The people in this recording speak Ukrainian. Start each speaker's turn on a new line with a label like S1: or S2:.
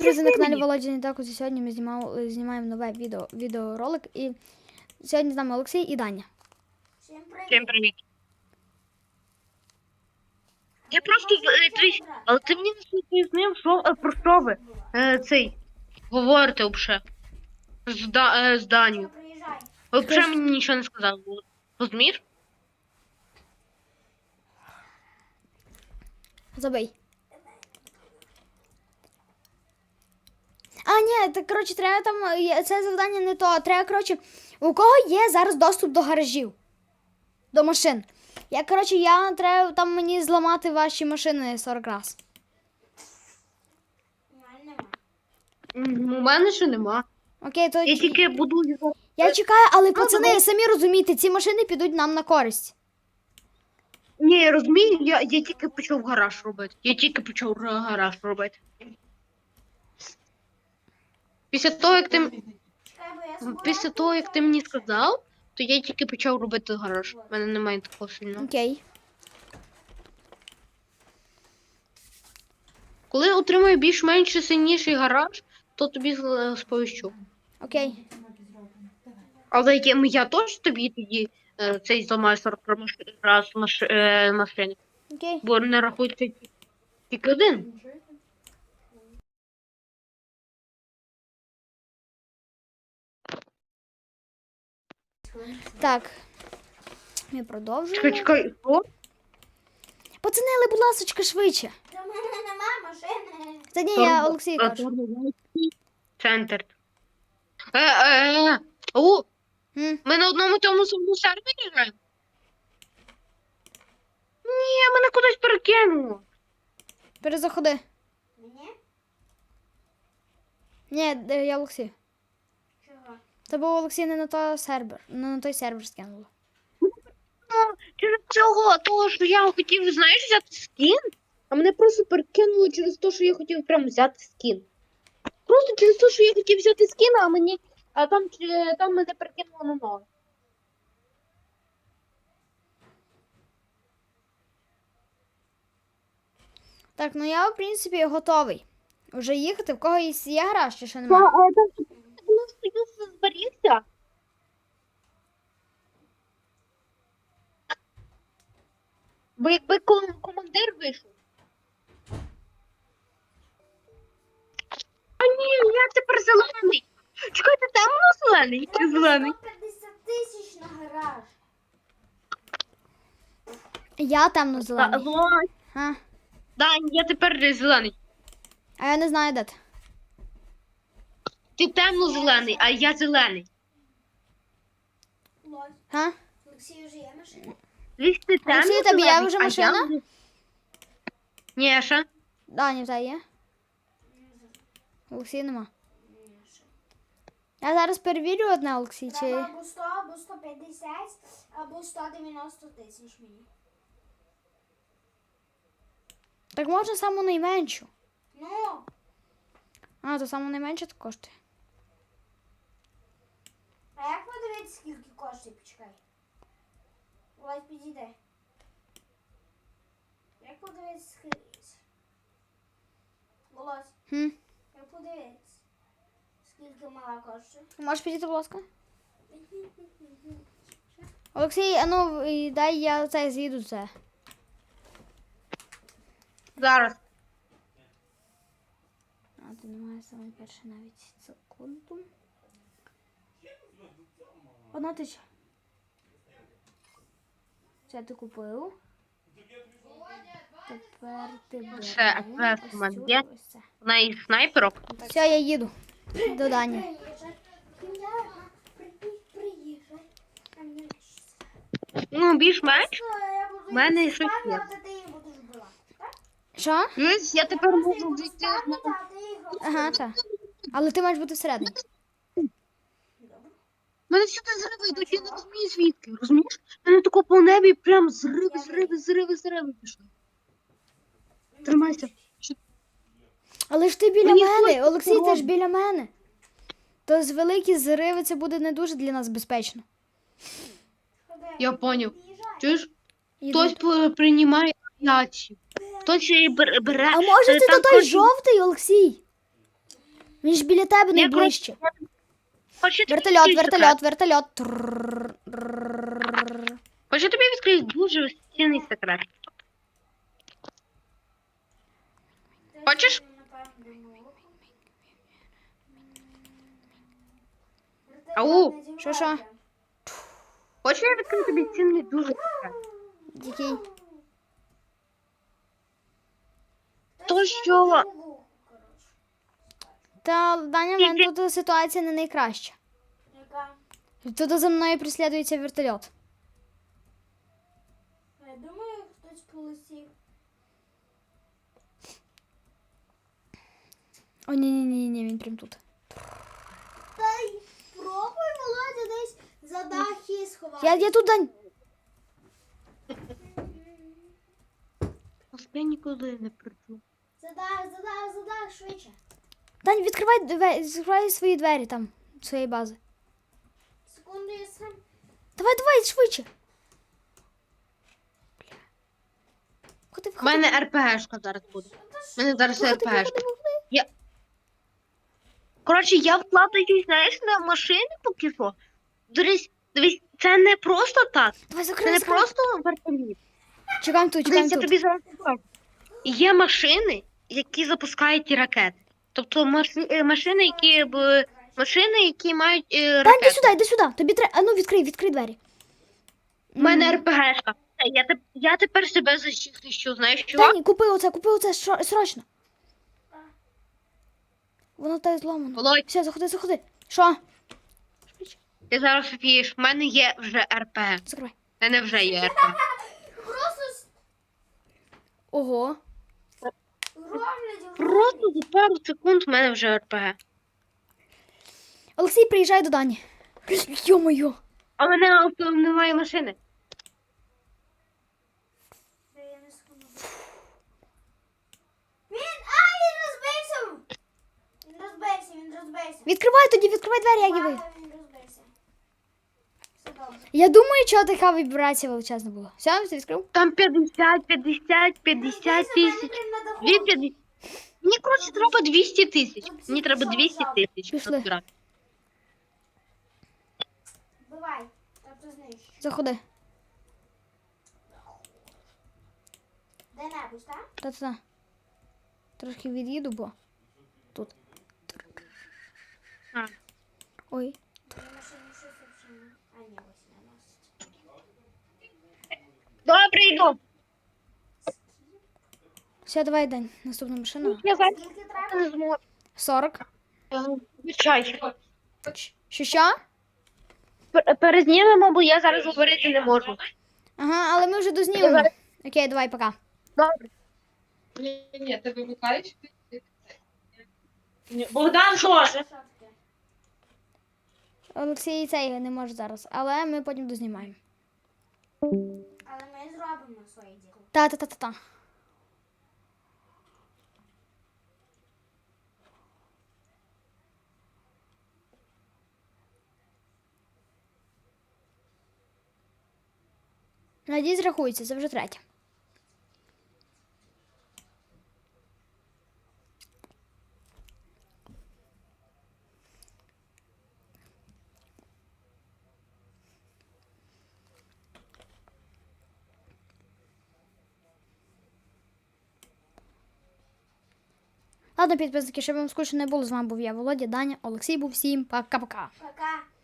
S1: друзі, на каналі Володя Нітаку. Сьогодні ми знімаємо нове відеоролик. І сьогодні з нами Олексій і Даня.
S2: Всім привіт. Я просто, але ти мені не пояснив, про що ви цей говорите взагалі з Данію. Ви взагалі мені нічого не сказали. Розумієш?
S1: Забий. А, ні, так, коротше, треба там, це завдання не то. Треба, коротше, у кого є зараз доступ до гаражів? До машин. Треба там мені зламати ваші машини 40 раз.
S2: У мене ще нема.
S1: Окей, то...
S2: Я тільки будую.
S1: Я чекаю, але, пацани, самі розумієте, ці машини підуть нам на користь.
S2: Ні, я розумію, я тільки почав гараж робити. Після того, як ти мені сказав, то я тільки почав робити гараж. У мене немає такого сильного.
S1: Окей.
S2: Коли отримаю більш-менш сильніший гараж, то тобі сповіщу.
S1: Окей.
S2: Але я теж тобі тоді цей зламаю 40 раз машини.
S1: Окей.
S2: Бо не рахується тільки один.
S1: Так. Ми продовжуємо.
S2: Чекай, що?
S1: Пацани, але, будь ласочка, швидше.
S3: Та в мене нема машини.
S1: Та ні, я Олексій кажу.
S2: Центр. Ми на одному тому самому сервері граємо? Ні, мене кудись перекинуло.
S1: Перезаходи.
S3: Мені?
S1: Ні, я Олексій.
S3: Чого?
S1: Та бо Олексій не на той сервер. Не на той сервер скинуло.
S2: Через цього, того, що я хотів, знаєш, взяти скін, а мене просто перекинуло через те, що я хотів прям взяти скін. Просто через те, що я хотів взяти скін, а там мене перекинуло на нове.
S1: Так, ну я, в принципі, готовий. Уже їхати, в кого є гараж, чи ще немає?
S2: Союз зберігся. Бо якби командир вийшов. А ні, я тепер зелений. Чекайте, темно зелений чи зелений?
S3: 150 тисяч на гараж.
S1: Я темно-зелений. А?
S2: Дань, я тепер зелений.
S1: А я не знаю, де ти.
S2: Ти темно-зелений, а я зелений.
S3: Лось.
S1: А?
S3: Олексій вже є машина?
S2: Ти
S1: Олексій, у тебе є вже машина?
S2: Ні, ще.
S1: Дані, в тебе є? Олексій нема. Я зараз перевірю одне, Олексій, чи...
S3: Треба або 100, або 150, або 190 тисяч мені.
S1: Так можна саму найменшу.
S3: Ну,
S1: А, то саму найменше то коштує.
S3: а як подивитися, скільки коштує, почекай. Лось, підійди. Як подивитися, скільки? Волось, як подивитися, скільки мала коштує?
S1: Можеш підійти, будь ласка? Олексій, а ну, і дай я це з'їду це.
S2: Зараз.
S1: А, ти немає саме перше навіть секунду. 1000. Це ти купив. Тепер ти береш.
S2: Ще АПС у мене є.
S1: ось це.
S2: Вона і снайперок.
S1: Все, я їду. До Дані.
S3: Приїжджай.
S2: Ну, більш-менш.
S3: Я буду
S2: В мене
S3: їх
S2: щось є.
S3: спалювати, ти їх будеш вбивати. Так?
S1: Що?
S2: Я тепер можу
S3: Буду
S2: жити.
S3: спалювати, а ти їх
S1: Ага, так. Але ти маєш бути всередині.
S2: У мене всюди зриви йдуть, я не розумію звідки, розумієш? У мене тако по небі прям зриви пішли. Тримайся.
S1: Але ж ти біля
S2: Мені
S1: мене,
S2: хтось
S1: Олексій, ти ж
S2: робить.
S1: біля мене. То з великі зриви це буде не дуже для нас безпечно.
S3: Ходи.
S2: Я поняв.
S3: Приїжджай.
S2: Чуєш?
S1: Їду.
S2: Хтось приймає авіацію. Хтось її бере.
S1: А може це
S2: там,
S1: то той
S2: коротше,
S1: жовтий, Олексій? Він ж біля тебе
S2: Я
S1: найближче.
S2: Хочу тобі
S1: Вертольот,
S2: відкрити
S1: вертольот, вертольот.
S2: секрет. Хочу тобі відкрити дуже цінний секрет. Хочеш? Ау,
S1: Що?
S2: Хочу я відкрити тобі цінний дуже секрет.
S1: Який?
S2: То що?
S1: Та, Даня, в мене тут ситуація не найкраща.
S3: Яка?
S1: Тут за мною преслідується вертольот.
S3: Я думаю, хтось полетів.
S1: О, ні, він прям тут.
S3: Та й пробуй, Володя, десь за дахи сховати.
S1: Я тут, Дань.
S2: Я нікуди не прийду.
S3: За дах, швидше.
S1: Дань, відкривай свої двері там, своєї бази.
S3: Секунду, я сам.
S1: Давай, швидше. Ходи,
S2: У мене РПГшка зараз буде. У мене зараз РПГшка. Коротше, я вкладаюсь, знаєш, на машини поки що. Дивись, це не просто так.
S1: Давай,
S2: Це
S1: закрий,
S2: не
S1: закрий.
S2: просто вертоліт.
S1: Чекаємо тут,
S2: Дивись,
S1: чекаємо
S2: я
S1: тут.
S2: тобі зараз покажу. Є машини, які запускають ті ракети. Тобто машини, які мають
S1: Дань,
S2: ракети.
S1: йди сюди. Тобі треба. А ну, відкрий двері.
S2: У мене РПГшка. Я тепер себе захищу, знаєш що?
S1: Дань, купи оце, срочно. Воно та й зламано.
S2: Володь,
S1: Все, заходи. Що? Швидше,
S2: ти зараз офієш, в мене є вже РПГ.
S1: закривай.
S2: В мене вже є РПГ.
S3: Просто
S1: Ого.
S3: роблять.
S2: Просто за пару секунд в мене вже РПГ.
S1: Олексій, приїжджай до Дані. Йо-моє.
S2: А в мене немає машини.
S3: Він розбився! Він розбився.
S1: Відкривай двері, як і ви.
S3: Він розбився. Все добре.
S1: Я думаю, чого така вібрація величезна була. Все, ти відкрив?
S2: Там 50 тисяч. Дві 50. Мені, коротше, треба 200 тисяч. Мені треба 200 тисяч.
S1: Пішли.
S2: назбирати.
S3: Бувай. Тобто знищиш.
S1: Заходи.
S3: Де-небудь, так?
S1: Та. Трошки від'їду, бо тут.
S2: А.
S1: Ой.
S3: Дві машини щось взагалі. А ні, ось не носить.
S2: Добре, йду.
S1: Все, давай, Дань. Наступна машина.
S2: Я зараз
S3: Скільки треба?
S2: не зможу.
S1: 40.
S2: Чай.
S1: Що?
S2: Перезнімемо, бо я зараз говорити не можу.
S1: Ага, але ми вже дознімемо. Окей, давай, пока.
S2: Добре.
S4: Ні, ти вимикаєш? Богдан теж.
S3: Що таке?
S1: Олексій цей не може зараз, але ми потім дознімаємо.
S3: Але ми зробимо своє діло.
S1: Та. Надіюсь, рахується, це вже третє. Ладно, підписники, щоб вам скучно не було, з вами був я, Володя, Даня, Олексій був всім. Пока-пока.
S3: Пока.